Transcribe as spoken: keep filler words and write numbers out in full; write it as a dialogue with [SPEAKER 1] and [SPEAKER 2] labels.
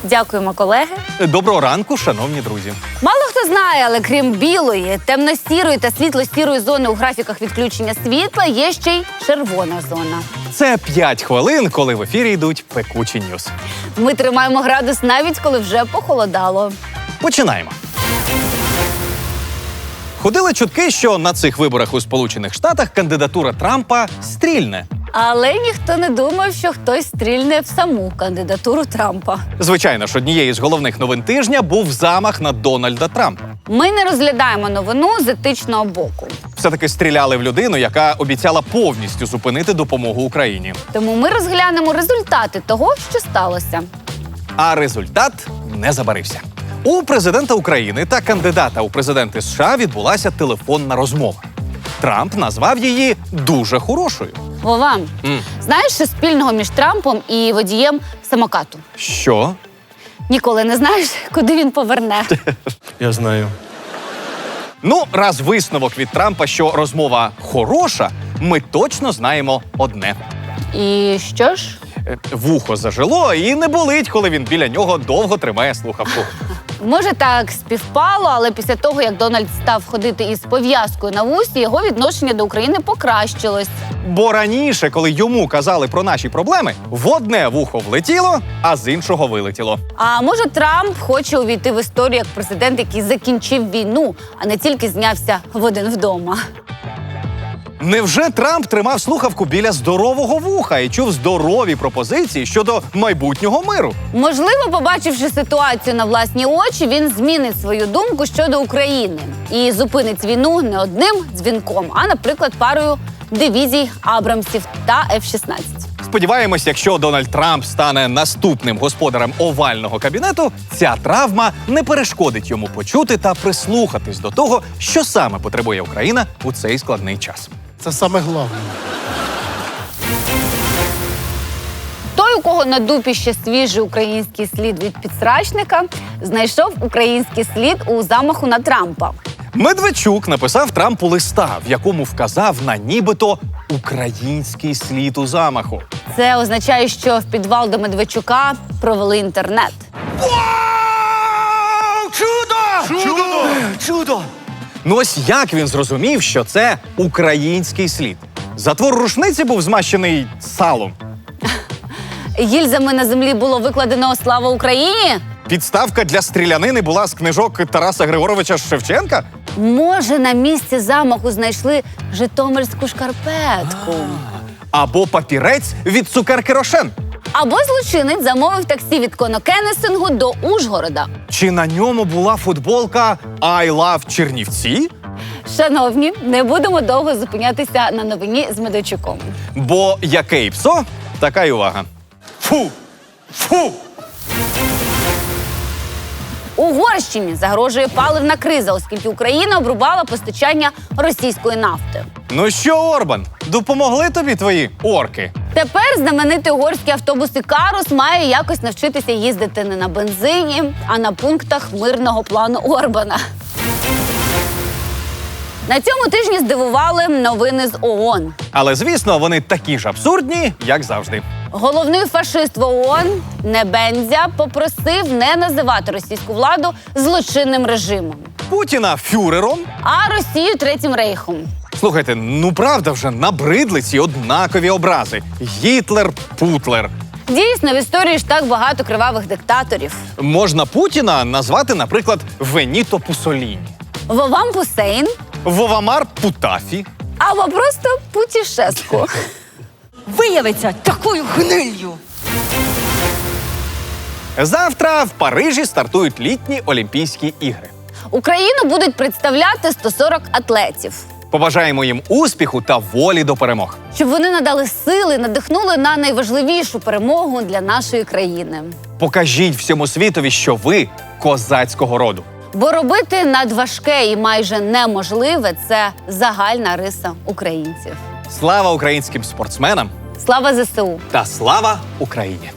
[SPEAKER 1] Дякуємо, колеги.
[SPEAKER 2] Доброго ранку, шановні друзі.
[SPEAKER 1] Мало хто знає, але крім білої, темно-сірої та світло-сірої зони у графіках відключення світла є ще й червона зона.
[SPEAKER 2] Це п'ять хвилин, коли в ефірі йдуть пекучі ньюс.
[SPEAKER 1] Ми тримаємо градус навіть коли вже похолодало.
[SPEAKER 2] Починаємо. Ходили чутки, що на цих виборах у Сполучених Штатах кандидатура Трампа стрільне.
[SPEAKER 1] Але ніхто не думав, що хтось стрільне в саму кандидатуру Трампа.
[SPEAKER 2] Звичайно ж, однією з головних новин тижня був замах на Дональда Трампа.
[SPEAKER 1] Ми не розглядаємо новину з етичного боку.
[SPEAKER 2] Все-таки стріляли в людину, яка обіцяла повністю зупинити допомогу Україні.
[SPEAKER 1] Тому ми розглянемо результати того, що сталося.
[SPEAKER 2] А результат не забарився. У президента України та кандидата у президенти США відбулася телефонна розмова. Трамп назвав її дуже хорошою.
[SPEAKER 1] Вова,
[SPEAKER 2] Mm.
[SPEAKER 1] знаєш, що спільного між Трампом і водієм самокату?
[SPEAKER 2] Що?
[SPEAKER 1] Ніколи не знаєш, куди він поверне.
[SPEAKER 3] Я знаю.
[SPEAKER 2] Ну, раз висновок від Трампа, що розмова хороша, ми точно знаємо одне.
[SPEAKER 1] І що ж?
[SPEAKER 2] Е, Вухо зажило і не болить, коли він біля нього довго тримає слухавку.
[SPEAKER 1] Може, так співпало, але після того, як Дональд став ходити із пов'язкою на вусі, його відношення до України покращилось.
[SPEAKER 2] Бо раніше, коли йому казали про наші проблеми, в одне вухо влетіло, а з іншого вилетіло.
[SPEAKER 1] А може, Трамп хоче увійти в історію як президент, який закінчив війну, а не тільки знявся в один вдома.
[SPEAKER 2] Невже Трамп тримав слухавку біля здорового вуха і чув здорові пропозиції щодо майбутнього миру?
[SPEAKER 1] Можливо, побачивши ситуацію на власні очі, він змінить свою думку щодо України і зупинить війну не одним дзвінком, а, наприклад, парою дивізій Абрамсів та еф шістнадцять.
[SPEAKER 2] Сподіваємось, якщо Дональд Трамп стане наступним господарем овального кабінету, ця травма не перешкодить йому почути та прислухатись до того, що саме потребує Україна у цей складний час.
[SPEAKER 3] Це саме головне.
[SPEAKER 1] Той, у кого на дупі ще свіжий український слід від підсрачника, знайшов український слід у замаху на Трампа.
[SPEAKER 2] Медведчук написав Трампу листа, в якому вказав на нібито український слід у замаху.
[SPEAKER 1] Це означає, що в підвал до Медведчука провели інтернет.
[SPEAKER 2] Вау! Чудо!
[SPEAKER 3] Чудо!
[SPEAKER 2] Чудо! Ну ось як він зрозумів, що це український слід? Затвор рушниці був змащений салом.
[SPEAKER 1] Гільзами на землі було викладено «Слава Україні»?
[SPEAKER 2] Підставка для стрілянини була з книжок Тараса Григоровича Шевченка?
[SPEAKER 1] Може, на місці замаху знайшли житомирську шкарпетку?
[SPEAKER 2] Або папірець від цукерки Рошен?
[SPEAKER 1] Або злочинець замовив таксі від Конокенесингу до Ужгорода?
[SPEAKER 2] Чи на ньому була футболка «I love Чернівці»?
[SPEAKER 1] Шановні, не будемо довго зупинятися на новині з Медведчуком.
[SPEAKER 2] Бо яке і псо, така й увага. Фу! Фу!
[SPEAKER 1] Угорщині загрожує паливна криза, оскільки Україна обрубала постачання російської нафти.
[SPEAKER 2] Ну що, Орбан, допомогли тобі твої орки?
[SPEAKER 1] Тепер знаменитий угорський автобус «Ікарус» має якось навчитися їздити не на бензині, а на пунктах мирного плану Орбана. На цьому тижні здивували новини з ООН.
[SPEAKER 2] Але, звісно, вони такі ж абсурдні, як завжди.
[SPEAKER 1] Головний фашист в ООН Небензя попросив не називати російську владу злочинним режимом,
[SPEAKER 2] Путіна фюрером.
[SPEAKER 1] а Росію Третім рейхом.
[SPEAKER 2] Слухайте, ну правда вже набридли ці однакові образи. Гітлер, Путлер.
[SPEAKER 1] Дійсно, в історії ж так багато кривавих диктаторів.
[SPEAKER 2] Можна Путіна назвати, наприклад, Веніто Пусоліні.
[SPEAKER 1] Вовам Пусейн
[SPEAKER 2] Вовамар Путафі.
[SPEAKER 1] або просто Путішеску.
[SPEAKER 4] Виявиться такою гниллю.
[SPEAKER 2] Завтра в Парижі стартують літні Олімпійські ігри.
[SPEAKER 1] Україну будуть представляти сто сорок атлетів.
[SPEAKER 2] Побажаємо їм успіху та волі до перемог.
[SPEAKER 1] Щоб вони надали сили, надихнули на найважливішу перемогу для нашої країни.
[SPEAKER 2] Покажіть всьому світові, що ви козацького роду.
[SPEAKER 1] Бо робити надважке і майже неможливе – це загальна риса українців.
[SPEAKER 2] Слава українським спортсменам
[SPEAKER 1] Слава зе се у!
[SPEAKER 2] та слава Україні!